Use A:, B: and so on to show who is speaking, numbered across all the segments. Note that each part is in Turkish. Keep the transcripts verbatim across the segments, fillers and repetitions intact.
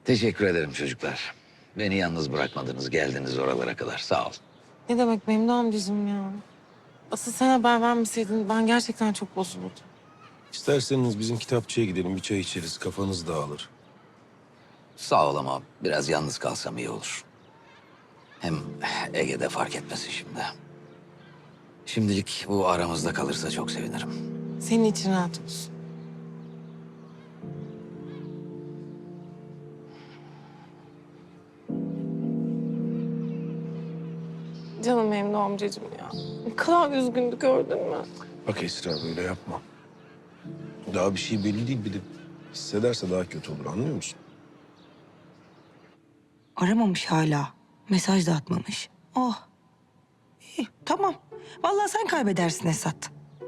A: Teşekkür ederim çocuklar. Beni yalnız bırakmadınız, geldiniz oralara kadar. Sağ ol.
B: Ne demek Memdu amcacığım ya? Asıl sen haber vermeseydin ben gerçekten çok bozulurdum.
C: İsterseniz bizim kitapçıya gidelim, bir çay içeriz, kafanız dağılır.
A: Sağ ol ama biraz yalnız kalsam iyi olur. Hem Ege'de fark etmesin şimdi. Şimdilik bu aramızda kalırsa çok sevinirim.
B: Senin için rahat olsun. Canım Memdu amcacığım ya. Ne kadar üzgündü gördün mü?
C: Bak Esra, böyle yapma. Daha bir şey belli değil, bir de hissederse daha kötü olur, anlıyor musun?
D: Aramamış hala. Mesaj da atmamış. Oh. İyi, tamam. Vallahi sen kaybedersin Esat.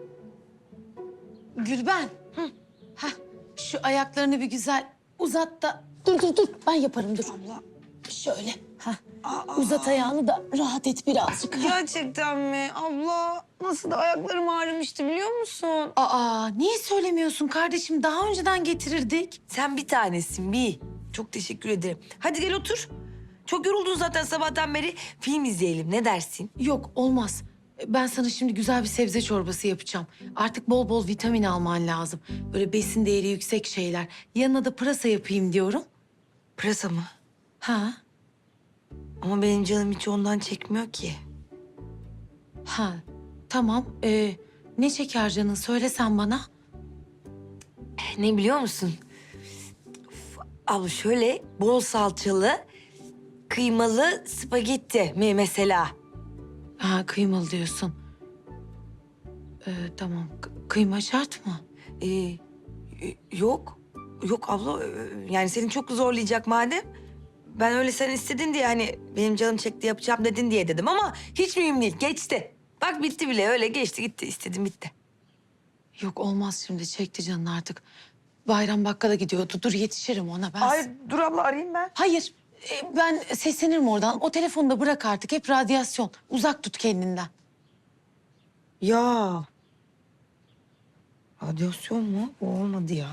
E: Gülben. Hı. Heh, şu ayaklarını bir güzel uzat da... Dur dur dur ben yaparım dur.
D: Allah.
E: Şöyle. Heh. Uzat ayağını da rahat et birazcık.
D: Gerçekten mi? Abla nasıl da ayaklarım ağrımıştı biliyor musun?
E: Aa niye söylemiyorsun kardeşim? Daha önceden getirirdik.
D: Sen bir tanesin bir. Çok teşekkür ederim. Hadi gel otur. Çok yoruldun zaten sabahtan beri. Film izleyelim ne dersin?
E: Yok olmaz. Ben sana şimdi güzel bir sebze çorbası yapacağım. Artık bol bol vitamin alman lazım. Böyle besin değeri yüksek şeyler. Yanına da pırasa yapayım diyorum.
D: Pırasa mı?
E: Ha?
D: Ama benim canım hiç ondan çekmiyor ki.
E: Ha. Tamam. Ee, ne çeker canın? Söylesen bana.
D: Ne biliyor musun? Uf, abla şöyle bol salçalı, kıymalı spagetti mi mesela?
E: Ha kıymalı diyorsun. Ee, tamam. K- kıyma şart mı?
D: Ee, y- yok. Yok abla. ee, Yani seni çok zorlayacak madem. Ben öyle sen istedin diye hani benim canım çekti yapacağım dedin diye dedim ama hiç mühim değil. Geçti. Bak bitti bile öyle geçti gitti. İstedim bitti.
E: Yok olmaz şimdi. Çekti canın artık. Bayram bakkala gidiyordu. Dur yetişirim ona ben.
D: Ay dur abla arayayım ben.
E: Hayır. e, ben seslenirim oradan. O telefonu da bırak artık. Hep radyasyon. Uzak tut kendinden.
D: Ya. Radyasyon mu? O olmadı ya.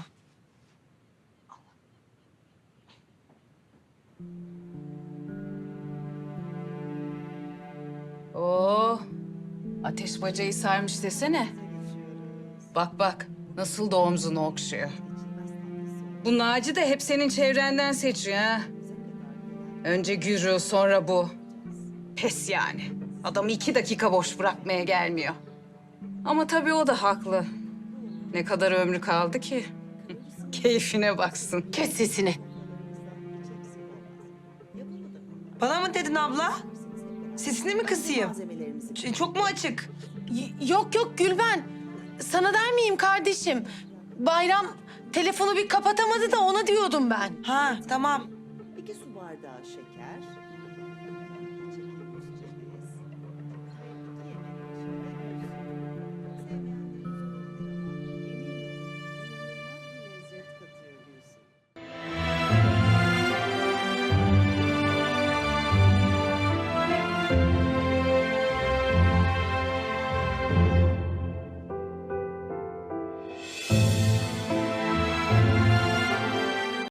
F: Oo, ateş bacayı sarmış desene. Bak bak, nasıl da omzunu okşuyor. Bu Naci de hep senin çevrenden seçiyor ha. Önce Gürü, sonra bu. Pes yani. Adamı iki dakika boş bırakmaya gelmiyor. Ama tabii o da haklı. Ne kadar ömrü kaldı ki? Keyfine baksın.
E: Kes sesini.
D: Bana mı dedin abla? Sesini mi kısayım? Ç- Çok mu açık?
E: Y- yok yok Gülben. Sana der miyim kardeşim? Bayram telefonu bir kapatamadı da ona diyordum ben.
D: Ha tamam.
G: iki su bardağı şeker,